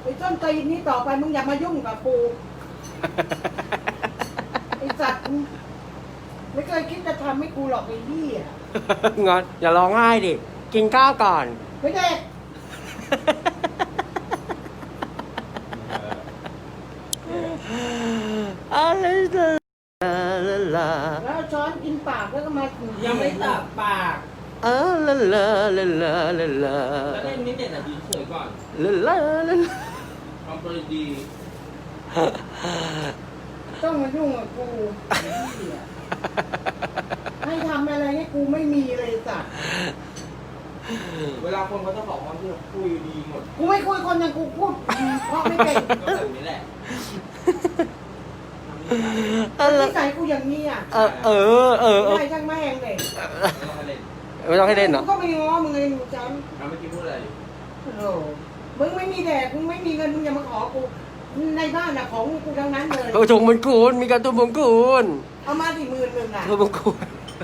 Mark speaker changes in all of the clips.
Speaker 1: ไอ้ต้นตีนนี้ต่อไปมึงอย่ามายุ่งกับกูไอ้สัตว์ไม่เคยคิดจะทำให้กูหรอกไอ้นี่อ่ะ
Speaker 2: งอนอย่าร้องไห้ดิกินข้าวก่อน
Speaker 1: ไม่ได้
Speaker 2: อะไรลา
Speaker 1: แล้วเอาช้อนกินปากแล้วก็มา
Speaker 3: ยังไม่ตัดปาก
Speaker 2: ลาลาลาลาลาลา
Speaker 3: แล้วเล่นนิดเดียวดีเฉยก่อน
Speaker 2: ลาลาลา
Speaker 3: ทำตัวดี
Speaker 1: ต้องมายุ่งกับกูไอ้นี่อ่ะให้ทำอะไรให้กูไม่มีเลยสัตว์
Speaker 3: เวลาคนเขาจะขอความช่วยเหลือคุยดีหมด
Speaker 1: กูไม่คุยคนอย่างกูพูดเพราะไม่เก่ง
Speaker 3: ก็แบบนี้แหละ
Speaker 1: นิสัยกูอย่างนี้อ่ะ ไม่ช่างแม่งเลย
Speaker 2: ไม่ต้องให้เล่นเหรอ
Speaker 1: กูก็ไม่ง้อมึงเลยหนูจัน
Speaker 3: น้ำเมื่อกี้พูดอะไร
Speaker 1: โอ้โหมึงไม่มีแดกมึงไม่มีเงินมึงอย่ามาขอกูในบ้านน่ะของกูทั้งนั้นเลย
Speaker 2: กระทงมงกุฎมีการะตุ้มมงกุฎ
Speaker 1: เอามาที่10,000อ่ะ
Speaker 2: ตุ้มมงกุฎ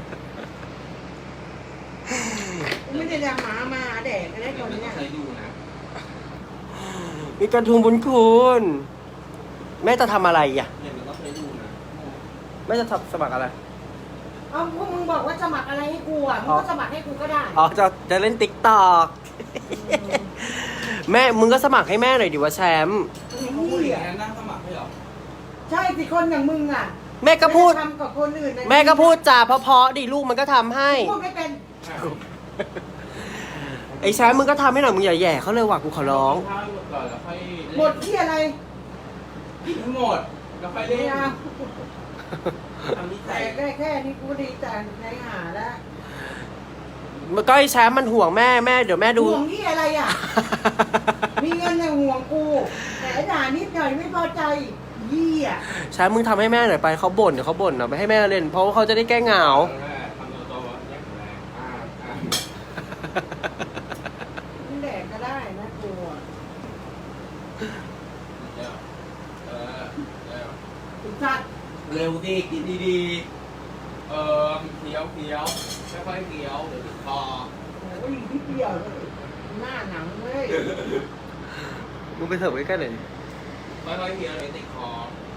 Speaker 1: กูไม่ได้จะหามาหาแดกอะไร
Speaker 3: เดี๋
Speaker 1: ต
Speaker 3: ย
Speaker 1: อ
Speaker 3: วน ไม่ต้อ
Speaker 1: เนี้
Speaker 3: ง
Speaker 1: ย
Speaker 3: ใช้ดูนะ
Speaker 2: มีการะตุ้มมงกุฎแม่จะทำอะไรอ่ะ
Speaker 3: เดี๋ยวมันต้องใช้ดูนะ
Speaker 2: แม่จะสมัครอะไร
Speaker 1: เอาพวกมึงบอกว่าสมัครอะไรให้กูอ่ะมึงก็สมัครให้กูก็ได้
Speaker 2: อ๋อจะเล่นติ๊กตอกแม่มึงก็สมัครให้แม่หน่อยดิว่าแชมป์
Speaker 3: เขาพูดอย่างนั้นนั่งสมัครให้เหรอ
Speaker 1: ใช่สิคนอย่างมึงอ่ะ
Speaker 2: แม่ก็พูด
Speaker 1: ไม่ไทำกับคนอื่นนะ
Speaker 2: แม่ก็พูดจาเพราะๆดิลูกมันก็ทำให้
Speaker 1: พูดไม่เป็น
Speaker 2: ไอ้แชมป์มึงก็ทำให้หน่อยมึงอย่าแย่เขาเลยว่ะกูขอร้อง
Speaker 3: ข้าวหมดก่อนแล้วค่อย
Speaker 1: หมดที่อะไร
Speaker 3: กินให้หมดแล้วค่อยเล่
Speaker 1: ไม่
Speaker 3: น
Speaker 1: เอา
Speaker 3: ทำนิ
Speaker 1: แต่
Speaker 3: สัย
Speaker 1: แค่นี้กูดีใจในหาแล้ว
Speaker 2: มันก็ไอ้แชมป์มันห่วงแม่เดี๋ยวแม่ดู
Speaker 1: ห่วงที่อะไรอ่ะ มีเงินอย่างห่วงกู แต่ด่านิดหน่อยไม่พอใจยี่อ่ะ
Speaker 2: แชมป์มึงทำให้แม่หน่อยไปเขาบ่นเดี๋ยวเขาบ่นเอาไปให้แม่เล่นเพราะว่าเขาจะได้แก้เหงา
Speaker 3: ทำตัวโตแยกแรง
Speaker 1: แดกก็ได้นะกูอะ
Speaker 3: เดี๋ยวเออเดี๋ยว
Speaker 1: สุดจัด
Speaker 3: เร็วดิกินดีๆเคี้ยวค่อยๆเคี้ยวเดี๋ยวติดคอ
Speaker 1: โอ้ยนิดเดียวเลยหน้าหนังเลย
Speaker 2: มึงไปเถิบใกล้ๆหน่อย
Speaker 3: ค่อยๆเคี้ยวเดี๋ยวติดคอ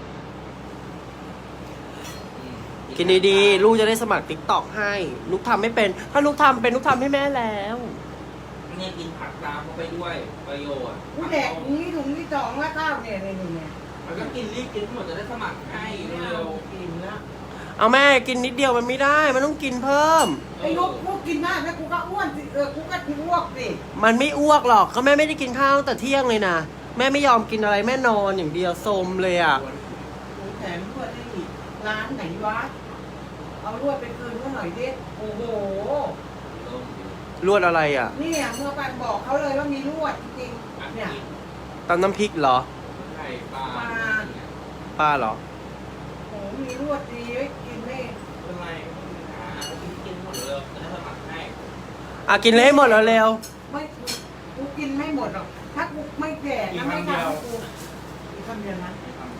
Speaker 2: กินดีๆลูกจะได้สมัครติ๊กตอกให้ลูกทำไม่เป็นถ้าลูกทำเป็นลูกทำให้แม่แล้ว
Speaker 3: เนี่ยกินผักตามเข้าไปด้วยประโยชน์
Speaker 1: กูแดกถุงนี้ถุงที่สองแล้วข้าวเนี่ยเนี่ย
Speaker 3: มันก็กินรีบกินทั้งหมดจะได้สมัครให้
Speaker 1: ไม่
Speaker 3: เร็
Speaker 1: เอา
Speaker 3: ว
Speaker 1: กินแล้ว
Speaker 2: เอาแม่กินนิดเดียวมันไม่ได้มันต้องกินเพิ่ม
Speaker 1: ไอ้ลูกกูกินมากแล้วกูก็อ้วนสิกูก็อ้วกสิ
Speaker 2: มันไม่อ้วกหรอกก็แม่ไม่ได้กินข้าวตั้งแต่เที่ยงเลยนะแม่ไม่ยอมกินอะไรแม่นอนอย่างเดียวโซมเลยอ่ะ
Speaker 1: กูแถมรวดได้อีกร้านไหนวะเอารวดไปคืนเขาหน่อยดิโอ้โห
Speaker 2: รวดอะไรอ่ะ
Speaker 1: เนี่ยเมื่อปันบอกเขาเลยว่ามีรวดจริงๆเนี่ย
Speaker 2: ตำน้ำพริกเหรอ
Speaker 3: ไข่ปลา
Speaker 2: ป้าเหรอ
Speaker 1: โอ้โหมีรวดดีไว้กินไม่
Speaker 3: เป็นไรกินหมดเลยจะได้สมัครให้
Speaker 2: อ่ะกินเลยให้หมดแล้วเร็ว
Speaker 1: ไม่กูกินไม่หมดหรอกถ้ากูไม่แก่ถ้าไม่ทำให้กูอีกคำเดียวนะ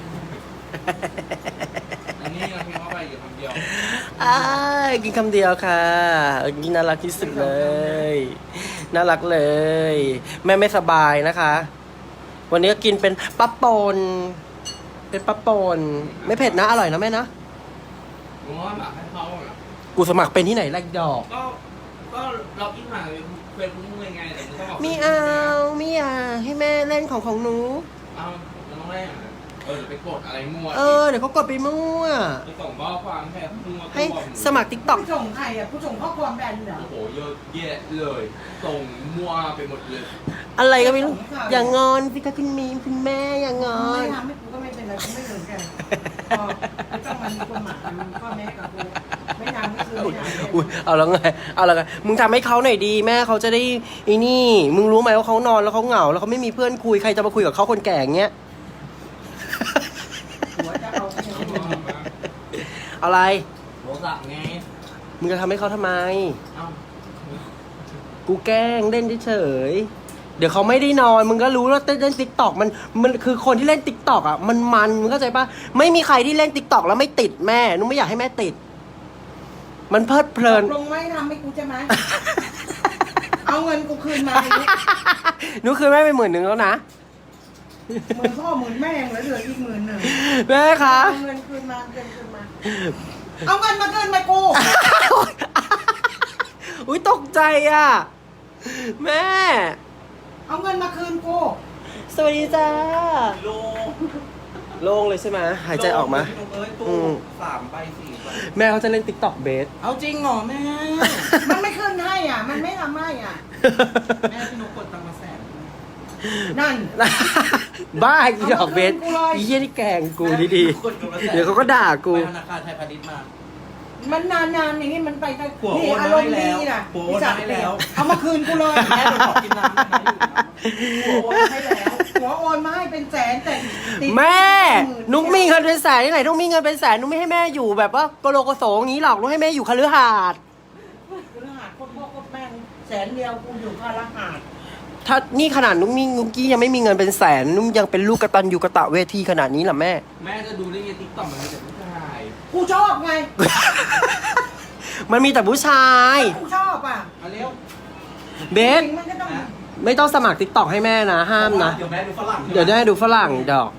Speaker 3: อันนี้เราพิมพ์เข้าไปอยู่คำเดียว
Speaker 2: กินคำเดียวค่ะกินน่ารักที่สุดเลย น่ารักเลย แม่ไม่สบายนะคะ วันนี้ก็กินเป็นปลาป่นเป็นปลาป่นไม่เผ็ดนะอร่อยนะแม่นะ
Speaker 3: ผมว่าหมักให้เขาอ่ะ
Speaker 2: กูสมัครเป็นที่ไหนแรกดอก
Speaker 3: ก็เราอินผ่านเป็นมึงยังไงแต่มึงต้องบอก
Speaker 2: ไม่เอาไม่อยากให้แม่เล่นของหนู
Speaker 3: เอาเราต้องแรกอ่ะเดี๋ยวไปกดอะไรมั่ว
Speaker 2: เดี๋ยวเขากดไปมั่ว
Speaker 3: ไปส่งข้อความแค่มั่ว
Speaker 2: ให้สมัครติ๊กต็อก
Speaker 1: กูส่งใครอ่ะกูส่งข้อความแบนเหรอ
Speaker 3: โอ้โหเยอะแยะเลยส่งมั่วไปหมดเลย
Speaker 2: อะไรก็ไม่รู้อย่างงอนสิคะคุณมีมคุณแม่อย่างงอ
Speaker 1: ไม่
Speaker 2: น
Speaker 1: ทำให้กูก็ไม่เป็นไรกูไม่เหมือนกันพอไม่ต้องมันมีคนหมายมันก็แม่กับกูไม่ทำก็คือไม่ทำ
Speaker 2: อุ๊ยเอาแล้วไงเอาแล้วไงมึงทำให้เขาหน่อยดีแม่เขาจะได้ไอ้นี่ มึงรู้ไหมว่าเขานอนแล้วเขาเหงาแล้วเขาไม่มีเพื่อนคุยใครจะมาคุยกับเขาคนแก่อย่างเงี้ย
Speaker 1: หัวจะเอาไปยังไง
Speaker 2: อะไร
Speaker 3: โทรศัพท์ไง
Speaker 2: มึงจะทำให้เขาทำไม
Speaker 3: เอ้า
Speaker 2: กูแกล้งเล่นเฉยๆเดี๋ยวเขาไม่ได้นอน มึงก็รู้ว่าเล่นติ๊กตอกมันคือคนที่เล่นติ๊กตอกอ่ะมันมึงเข้าใจปะไม่มีใครที่เล่นติ๊กตอกแล้วไม่ติดแม่หนูไม่อยากให้แม่ติด มันเพลิดเพลิน
Speaker 1: ลงไม่ทำให้กูใช่ไหมเอาเงินกูคืนมา
Speaker 2: หนูคืนแม่ไป10,000แล้วนะ
Speaker 1: พ่อหมื่นแม่เหลืออีก10,000
Speaker 2: แม่คะ
Speaker 1: เอาเงินคืนมาเอาเงินมาคืนมากู
Speaker 2: อุ้ยตกใจอ่ะ แม่
Speaker 1: เอาเงินมาคืนกู
Speaker 2: สวัสดีจ้า
Speaker 3: โล
Speaker 2: โล่งเลยใช่ไหมหายใจออกมา
Speaker 3: พี่นุ๊กเอ้ย
Speaker 2: อื
Speaker 3: ตู้
Speaker 2: ม
Speaker 3: 3 ใบ 4 ใบ
Speaker 2: แม่เขาจะเล่นติ๊กต็อกเบส
Speaker 3: เอาจริงเหรอแม่
Speaker 1: มันไม่ขึ้นให้อ่ะ มันไม่ทำให้อ่ะ
Speaker 3: แม่พี่นุ๊กกดตังค์มาแสน
Speaker 1: นั่น
Speaker 2: บ้าอีดอกเบส
Speaker 1: เอามาคืนกูเลย
Speaker 2: อีเยี่ยนี่แกล้งกูดี
Speaker 3: กดตังค์มาแสน
Speaker 2: ๆ เดี๋ยวเขาก็ด่ากู
Speaker 3: ไปธนาคารไทยพาณิชย์มา
Speaker 1: มันนานๆอย่างนี้มันไปได้
Speaker 3: ผัว
Speaker 1: นี่
Speaker 3: โอนมา
Speaker 1: อารมณ์
Speaker 3: ให้
Speaker 1: ดี
Speaker 3: แล้ว
Speaker 1: น่ะ
Speaker 3: ผัวโอนมาให้แล้ว
Speaker 1: เอามาคืนกูเลย
Speaker 3: แม่ไปขอกินน้ำได้ไหมอยู่นะผัวโอนมาให้แล้ว
Speaker 1: หัวโอนมาให้เป็นแสนแต่ติด
Speaker 2: แม่
Speaker 1: 10,000
Speaker 2: นุ๊กมีเงินเป็นแสนที่ไหนนุ๊กมีเงินเป็นแสนนุ๊กไม่ให้แม่อยู่แบบว่าโกโลโกโสอย่างนี้หรอกนุ๊กให้แม่อยู่คฤหาสน์
Speaker 1: รหัสคนพ่อคนแม่100,000กูอยู่ค่ารหัส
Speaker 2: ถ้านี่ขนาดนุ๊กกี้ยังไม่มีเงินเป็นแสนนุ๊กยังเป็นลูกกตัญญูกตเวทีขนาดนี้เหรอแม่
Speaker 3: แม่จะดูได้ไงติ๊กต็อกมันมีแต่ผู้ชาย
Speaker 1: กูชอบไง
Speaker 2: มันมีแต่ผู้ชาย
Speaker 1: กูชอบอ่ะ
Speaker 3: มาเร็ว
Speaker 2: เบส
Speaker 1: มันก็ต้อง
Speaker 3: นะ
Speaker 2: ไม่ต้องสมัครติ๊กต็อกให้แม่นะห้ามนะ
Speaker 3: เดี๋ยวแม่ดูฝรั่ง
Speaker 2: เดี๋ยวได้ดูฝรั่งดอก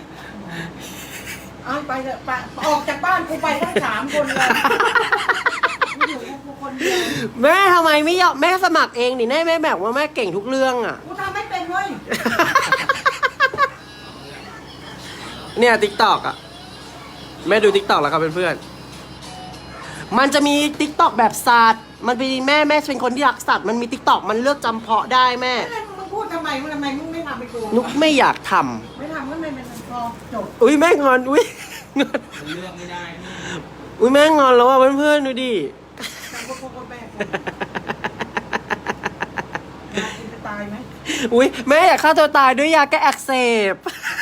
Speaker 1: เอาไปเถอะไปออกจากบ้านกูไปทั้ง3 คนเลยกูอยู่กูคนเดียว
Speaker 2: แม่ทำไมไม่ยอมแม่สมัครเองนี่แม่แบบว่าแม่เก่งทุกเรื่องอ่ะ
Speaker 1: กูทำไม่เป็นเว้ย
Speaker 2: เนี่ยติ๊กต็อกอ่ะแม่ดูติ๊กต็อกแล้วครับเพื่อนๆมันจะมีติ๊กต็อกแบบสัตว์มันเป็นแม่เป็นคนที่รักสัตว์มันมีติ๊กต็อกมันเลือกจำเพาะได้แม่
Speaker 1: มึงพูดทำไมมึงไม่ทำไปกู
Speaker 2: นุกไม่อยากท
Speaker 1: ไม่ทำก็ไม่เป็นพอจบ
Speaker 2: ำอุ้ยแม่งอนอุ้ยงอน
Speaker 3: มันเลือกไม่ได้พี่
Speaker 2: อุ้ยแม่งอนแล้วอ่ะเพื่อนๆดูดิ
Speaker 1: ทำก็แม่กูจะตายไหม
Speaker 2: อุ้ยแม่อยากฆ่าตัวตายด้วยยาแก้อักเสบ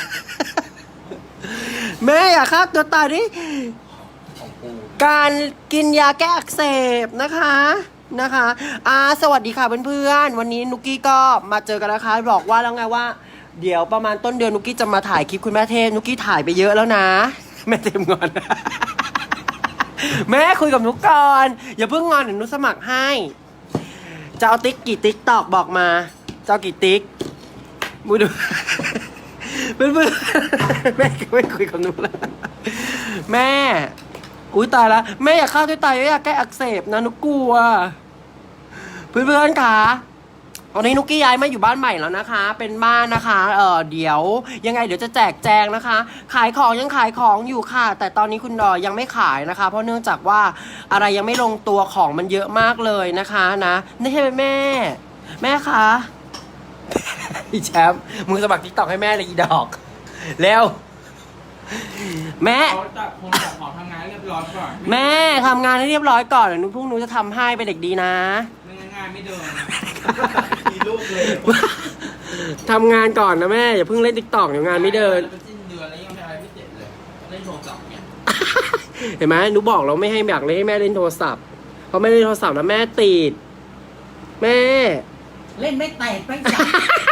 Speaker 2: แม่อยากฆ่าตัวตายด้วย
Speaker 3: ของกู
Speaker 2: การกินยาแก้อักเสบนะคะสวัสดีค่ะเพื่อนๆวันนี้นุกกี้ก็มาเจอกันนะคะบอกว่าแล้วไงว่า เดี๋ยวประมาณต้นเดือนนุกกี้จะมาถ่ายคลิปคุณแม่เทพนุกกี้ถ่ายไปเยอะแล้วนะ แม่เทพงอน แม่คุยกับนุกก่อนอย่าเพิ่งงอนเดี๋ยวนุกสมัครให้จะเอาติ๊กกี่ติ๊กตอกบอกมาจะเอากี่ติ๊กมูดู เพื่อนๆ แม่ไม่คุยกับนุกแล้วแม่อุ้ยตายแล้วแม่อยากฆ่าตัวตายอยากแก้อักเสบนะนุกกลัวเพื่อนๆคะตอนนี้นุกกี้ย้ายมาอยู่บ้านใหม่แล้วนะคะ เป็นบ้านนะคะเดี๋ยวยังไงเดี๋ยวจะแจกแจงนะคะ ขายของยังขายของอยู่ค่ะ แต่ตอนนี้คุณยังไม่ขายนะคะ เพราะเนื่องจากว่าอะไรยังไม่ลงตัวของมันเยอะมากเลยนะคะนะนี่ใช่ไหมแม่คะ อีแชมป์มึงสมัครติ๊กต็อกให้แม่เลยอีดอกเร็วแม่
Speaker 3: เขาจะคงจะขอทำงานเรียบร้อยก่อน
Speaker 2: แม่ทำงานให้เรียบร้อยก่อนเดี๋ยวพรุ่งนี้จะทำให้เป็นเด็กดีนะ
Speaker 3: ไม่ง่ายๆไม่เดินมีลูกเลย
Speaker 2: ทำงานก่อนนะแม่อย่าเพิ่งเล่นติ๊กต็อกเดี๋ยวงานไม่เดิน
Speaker 3: แล้วเป็นสิ้นเดือนแล้วยังไม่อะไรไม่เสร็จเลยเล่นโทรศัพท์เนี่ย
Speaker 2: เห็นไหมหนูบอกเราไม่ให้อยากเล่นให้แม่เล่นโทรศัพท์เพราะไม่เล่นโทรศัพท์แล้วแม่ติดแม่
Speaker 1: เล่นไม่แตกไม่จับ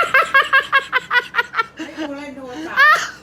Speaker 1: ให้กูเล่นโทรศัพท์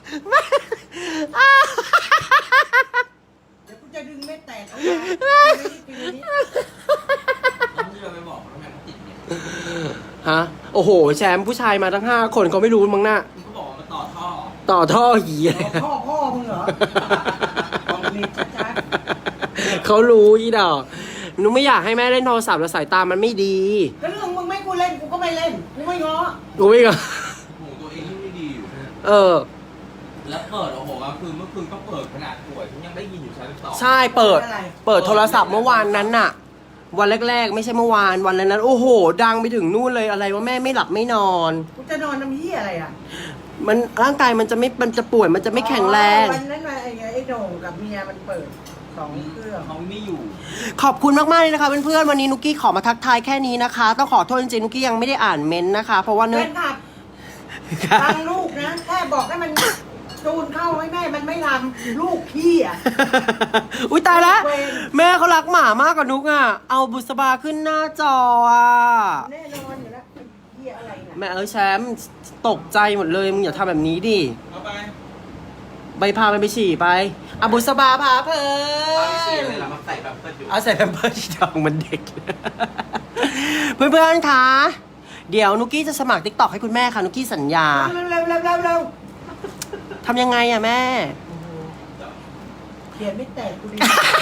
Speaker 1: เดี๋ยวกูจะดึงไม่แตกเอาไว้ไม่ได้กินอันนี้
Speaker 3: แล้วที่เราไปบอกเขาทำไมเขาติดเนี่ย
Speaker 2: ฮะโอ้โหแชมป์ผู้ชายมาทั้ง5 คนเขาไม่รู้มั้งน่ะ
Speaker 3: มึงก็บอกว่ามาต่อท่อ
Speaker 2: ต่อท่อหีอะไร
Speaker 1: พ่อมึงเหรอบอกมีชัด
Speaker 2: เขารู้อีดอกหนูไม่อยากให้แม่เล่นโทรศัพท์แล้วสายตามันไม่ดี
Speaker 1: ๆก็เรื่องมึงไม่กูเล่นกูก็ไม่เล่นกูไม่ง้อ
Speaker 2: กูไม่ก็
Speaker 3: หูตัวเองยิ่งไม่ดีอยู่
Speaker 2: เออ
Speaker 3: แล้วเปิดโอ้โหกลางคืนเมื่อคืนก็เปิดขนาดป่วยยังได้ยินอยู่ชั้น2
Speaker 2: ใช่เปิดโทรศัพท์เมื่อวานนั้นน่ะ วันแรกๆ ไม่ใช่เมื่อวานวันนั้นโอ้โห ดังไปถึงนู่นเลยอะไรว่าแม่ไม่หลับไม่นอน
Speaker 1: กูจะนอนน้ำเหี้ยอะไรอ่ะ
Speaker 2: มันร่างกายมันจะป่วยมันจะไม่แข็งแรง
Speaker 1: วันนั้นไอ้โด่งกับเมียมันเปิด2 เครื่อง
Speaker 3: เขาไม่อยู่
Speaker 2: ขอบคุณมากๆเลยนะคะเพื่อนๆวันนี้นุกกี้ขอมาทักทายแค่นี้นะคะ ต้องขอโทษจริงๆนุกกี้ยังไม่ได้อ่านเมนต์นะคะ เพราะว่าเนื่
Speaker 1: เล่
Speaker 2: อง
Speaker 1: นขับฟังลูกนะแค่บอกให้มันจูนเข้าให้แม่มันไม่ทำลูกพี่อ่ะ
Speaker 2: อุ้ยตายแล้ว
Speaker 1: เวร
Speaker 2: แม่เขารักหมามากกว่านุกอ่ะเอาบุษบาขึ้นหน้าจออ่ะ
Speaker 1: แน่นอนอยู่แล้วไอ้เหี้ยอะไรน่ะ
Speaker 2: แม่แชมป์ตกใจหมดเลยมึงอย่าทำแบบนี้ดิ
Speaker 3: เอาไป
Speaker 2: ใบพามันไปฉี่ไปอะบุษบาพาเพลิ
Speaker 3: ตอนนี้เสีย
Speaker 2: น
Speaker 3: เลยเรามาใส่แบบเปิดอยู่
Speaker 2: เอาใส่แพมเพิร์สที่ดองมันเด็ก เพื่อนๆคะเดี๋ยวนุกกี้จะสมัครติ๊กต็อกให้คุณแม่ค่ะนุกกี้สัญญา
Speaker 1: เร็ว
Speaker 2: ทำยังไงอะแม่
Speaker 1: โอ้โหเขียนไม่แตกกูดี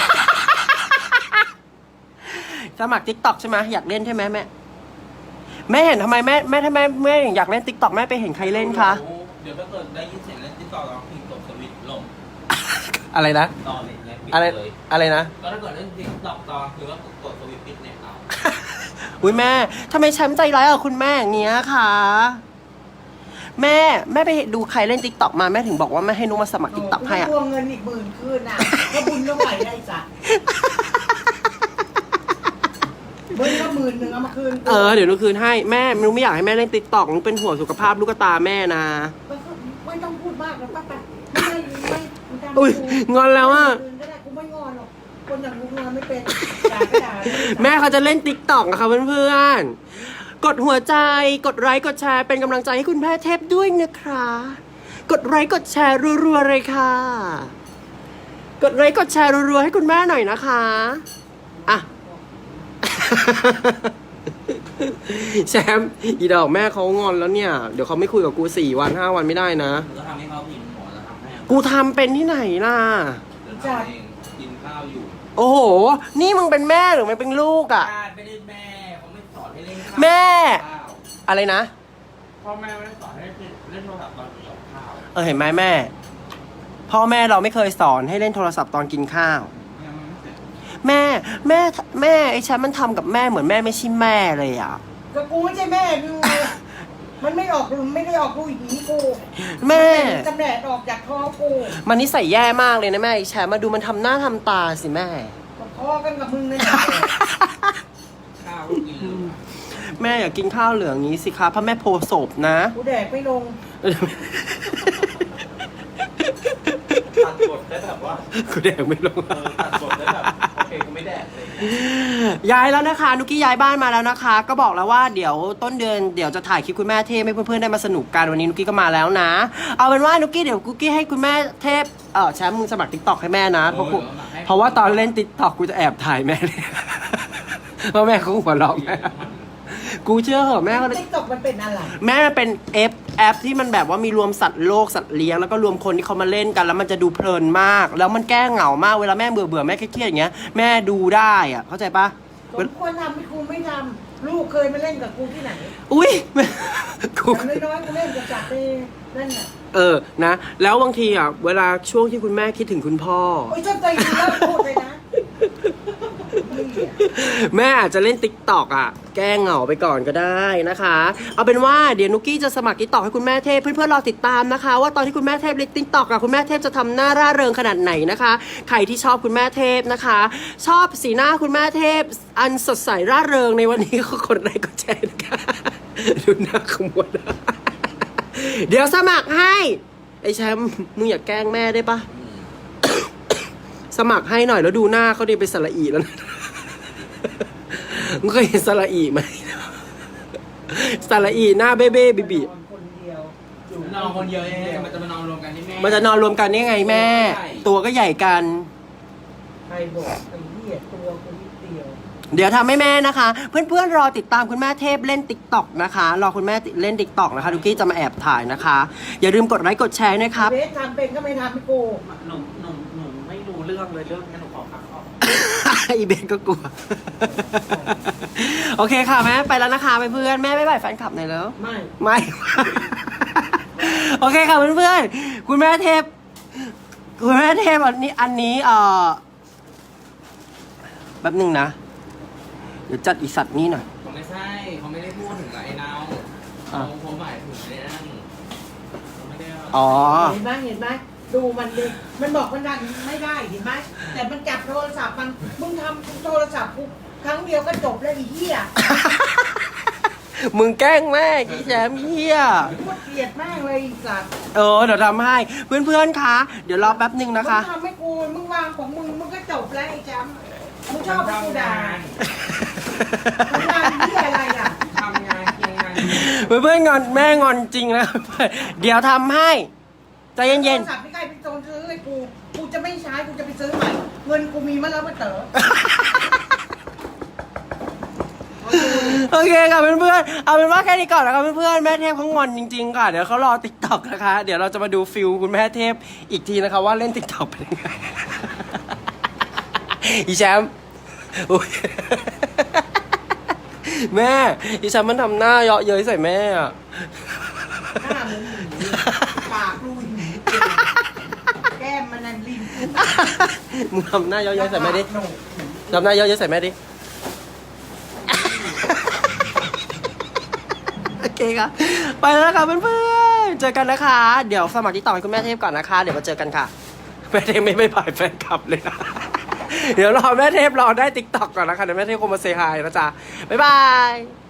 Speaker 2: สมัคร TikTok ใช่ไหมอยากเล่นใช่ไหมแม่แม่เห็นทำไมแม่ทำไมแม่อยากเล่น TikTok แม่ไปเห็นใครเล่นคะ
Speaker 3: เดี๋ยวถ้าเกิดได้ยินเสียงเล่นติ๊กต็อกเราพิงตบสวิตช์ลง
Speaker 2: อะไรนะ
Speaker 3: ตอนเลยเนี่ยปิด
Speaker 2: อะไร
Speaker 3: เลย
Speaker 2: อะไรนะ
Speaker 3: ก็ถ้าเกิดเล่นติ๊กต็อกตอนคือว่ากดสวิตช์ปิดเนี่ยเอา
Speaker 2: อุ้ยแม่ทำไมแชมป์ใจร้ายกับคุณแม่อย่างเงี้ยคะแม่ไปดูใครเล่น TikTok มาแม่ถึงบอกว่าแม่ให้นุกมาสมัคร TikTok ให้อะ
Speaker 1: รวมเงินอีก10,000คืนน่ะก็บุญก็ไหวได้จ้ะบุญก็10,000เอามาคืนกู
Speaker 2: เดี๋ยวนุกคืนให้แม่นุกไม่อยากให้แม่เล่น TikTok นุกเป็นห่วงสุขภาพลูกตาแม่นะ
Speaker 1: ก็ไม่ต้องพูดมากแล้วป้าไปไม่ทำ
Speaker 2: อุ้ยงอนแล้วอะ
Speaker 1: คืนก็ได้กูไม่งอนหรอกคนอย่างกูงอนไม่เป็นด่าก็ด่า
Speaker 2: แม่เขาจะเล่น TikTok อะค่ะเพื่อนๆกดหัวใจกดไลค์กดแชร์เป็นกำลังใจให้คุณแม่เทพด้วยนะคะกดไลค์กดแชร์รัวๆเลยค่ะกดไลค์กดแชร์รัวๆให้คุณแม่หน่อยนะคะอ่ะ แชมป์อีดอกแม่เขางอนแล้วเนี่ยเดี๋ยวเขาไม่คุยกับกู4 วัน 5 วันไม่ได้นะ
Speaker 3: หรือทำให้เขาพิมพ์หมอแล้วทำให้
Speaker 2: กูทำเป็นที่ไหนล่ะ
Speaker 3: เดี๋ยวทำเองกินข้าวอยู่
Speaker 2: โอ้โห นี่มึงเป็นแม่หรือมันเป็นลูกอะ
Speaker 3: ไม่ได้แม่เขาไม่สอนให้เล่นข้าว
Speaker 2: แม่
Speaker 3: ข้าว
Speaker 2: อะไรนะ
Speaker 3: พ่อแม่ไม่ได้สอนให้เล่นโทรศัพท์ตอนกินข้าว
Speaker 2: เห็นไหมแม่พ่อแม่เราไม่เคยสอนให้เล่นโทรศัพท์ตอนกินข้าว
Speaker 3: ยังไม่เสร็จ
Speaker 2: แม่ไอ้ฉันมันทำกับแม่เหมือนแม่ไม่ใช่แม่เลยอ่ะ
Speaker 1: ก็กูไม่ใช่แม่มึงไงมันไม่ออกลูกไม่ได้ออกลูกอย่างนี้กู
Speaker 2: แม่
Speaker 1: กำเนิดออกจากท้องกู
Speaker 2: มันนิสัยแย่มากเลยนะแม่ไอ้แชมป์มาดูมันทำหน้าทำตาสิแม่
Speaker 1: ก็พอกันกับมึงเลยนะ
Speaker 3: ข้าวก็กินอยู่
Speaker 2: แม่อยากกินข้าวเหลืองนี้สิคะเพราะแม่โพศพนะ
Speaker 1: กูแดกไม่ลง
Speaker 3: ตัดบทได้แบบว่า
Speaker 2: กูแดกไม่ลง
Speaker 3: ตัดบทได้แบบโอเคกูไม่แดกเลย
Speaker 2: ย้ายแล้วนะคะนุกกี้ย้ายบ้านมาแล้วนะคะ ก็บอกแล้วว่าเดี๋ยวต้นเดือนเดี๋ยวจะถ่ายคลิปคุณแม่เทพให้เพื่อนๆได้มาสนุกกันวันนี้นุกกี้ก็มาแล้วนะ เอาเป็นว่านุกกี้เดี๋ยวกุ๊กกี้ให้คุณแม่เทพแชมป์มึงสมัคร TikTok ให้แม่นะเพราะว่าตอนเล่น TikTok กูจะแอบถ่ายแม่เลย เพราะแม่เขาหัวเราะแม่กูเชื่อเหอะแม่เขา
Speaker 1: ติ๊กต็อกมันเป็นอะไร
Speaker 2: แม่มันเป็นแอปที่มันแบบว่ามีรวมสัตว์โลกสัตว์เลี้ยงแล้วก็รวมคนที่เขามาเล่นกันแล้วมันจะดูเพลินมาก แล้วมันแก้เหงามากเวลาแม่เบื่อแม่เครียดๆอย่างเงี้ยแม่ดูได้อะเข้าใจปะ
Speaker 1: สมควรทำไม่กูไม่ทำลูกเคยมาเล่นกับกูที่ไหน
Speaker 2: อุ้ย กู
Speaker 1: อย่างน้อยๆกูเล่นกับจักรไปนั่นน่ะ
Speaker 2: นะแล้วบางทีอ่ะเวลาช่วงที่คุณแม่คิดถึงคุณพ่อ
Speaker 1: โอ้ยชอบใจดีแล้วพูดเลยนะ
Speaker 2: แม่อาจจะเล่น TikTok อ่ะแก้เหงาไปก่อนก็ได้นะคะ เอาเป็นว่าเดี๋ยวนุกกี้จะสมัคร TikTok ให้คุณแม่เทพเพื่อนๆรอติดตามนะคะ ว่าตอนที่คุณแม่เทพเล่น TikTok อ่ะคุณแม่เทพจะทำหน้าร่าเริงขนาดไหนนะคะใครที่ชอบคุณแม่เทพนะคะ ชอบสีหน้าคุณแม่เทพอันสดใสร่าเริงในวันนี้ก็กดไลค์กดแชร์นะคะดูหน้าขมวดเดี๋ยวสมัครให้ไอ้แชมป์มึงอย่าแกล้งแม่ได้ปะ สมัครให้หน่อยแล้วดูหน้าเขาดิไปสระอีแล้วนะ มึงเคยเห็นสระอีไหม สระอีหน้าเบ้เบ้บีบี
Speaker 1: นอนคนเดียวอยู่
Speaker 3: นอนคนเดียวเองมันจะมานอนรวมกันที่แม่
Speaker 2: มันจะนอนรวมกันได้ไงแม่ ตัวก็ใหญ่กัน
Speaker 1: ใครบอกไอ้เหี้ยตัวกูนิดเดียว
Speaker 2: เดี๋ยวทำให้แม่นะคะ เพื่อนๆรอติดตามคุณแม่เทพเล่น TikTok นะคะรอคุณแม่เล่น TikTok นะคะทุกกี้จะมาแอบถ่ายนะคะ อย่าลืมกดไลค์กดแชร์นะครับ
Speaker 1: เบสทำเป็นก็ไม่ทำให้กู
Speaker 3: หนูไม่รู้เรื่องเลยเรื่องนี้หนูขอพักก่อน
Speaker 2: อีเบนก็กลัว โอเคค่ะแม่ไปแล้วนะคะไปเพื่อนแม่บ๊ายบายแฟนคลับหน่อยแล้ว
Speaker 1: ไม่
Speaker 2: โอเคค่ะเพื่อนๆคุณแม่เทพอันนี้แป๊บหนึงนะเดี๋ยวจัดอีสัตว์นี้หน่อย
Speaker 3: เขาไม่ใช่เขาไม่ได้พูดถึงไอ้นาวเขาหมายถึงไอ้นั่นเขาไม่ได้ว่า
Speaker 2: อ๋อ
Speaker 1: เห็นไหมดูมันดิมันบอกมันดันไม่ได้เห็นไหมแต่มันจับโทรศัพท์มันมึงทำโทรศัพท์กูครั้งเดียวก็จบแล้วไอ้เหี้ย
Speaker 2: มึงแกล้งแม่กี่แชมป์เฮีย
Speaker 1: พูดเกลียดแม่งเลยไอ้สัตว์
Speaker 2: เดี๋ยวทำให้เพื่อนๆคะเดี๋ยวรอแป๊บหนึ่งนะคะ
Speaker 1: มึงทำให้กูมึงวางของมึงก็จบแล้วไอ้จำมึงชอบให้กูด่าทำงานเหี้ยอะไรอ่ะ
Speaker 3: ทำงานเคียงงาน
Speaker 2: เพื่อนๆงอนแม่งอนจริงนะ เดี๋ยวทำให้ใจเย็น
Speaker 1: โทรศัพท์พี่ไก่ไปโจรซื้อให้กูจะไม่ใช้กูจะไปซื้อใหม่เงินกูมีมาแล้วมาเต๋อ
Speaker 2: โอเคค่ะเพื่อนๆเอาเป็นว่าแค่นี้ก่อนนะคะเพื่อนๆแม่เทพเขางอนจริงๆค่ะเดี๋ยวเขารอติ๊กต็อกนะคะเดี๋ยวเราจะมาดูฟิลคุณแม่เทพอีกทีนะคะว่าเล่นติ๊กต็อกเป็นยังไง อีแชมป์อุ๊ย แม่อีแชมป์มันทำหน้าเยาะเย้ยใส่แม่อะ
Speaker 1: หน้ามึงปากลุยแก้มมันนั่นลิ้น
Speaker 2: มึงทำหน้าเยาะเย้ยใส่แม่ดิทำหน้าเยาะเย้ยใส่แม่ดิ โอเคค่ะไปแล้วค่ะเพื่อนๆเจอกันนะคะ เดี๋ยวสมัครที่ต่อให้คุณแม่เทพก่อนนะคะ เดี๋ยวมาเจอกันค่ะแม่เทพไม่บ่ายแฟนคลับเลยนะ เดี๋ยวรอแม่เทพรอได้ติ๊กต็อกก่อนนะคะเดี๋ยวแม่เทพคงมาเซฮายนะจ๊ะบ๊ายบาย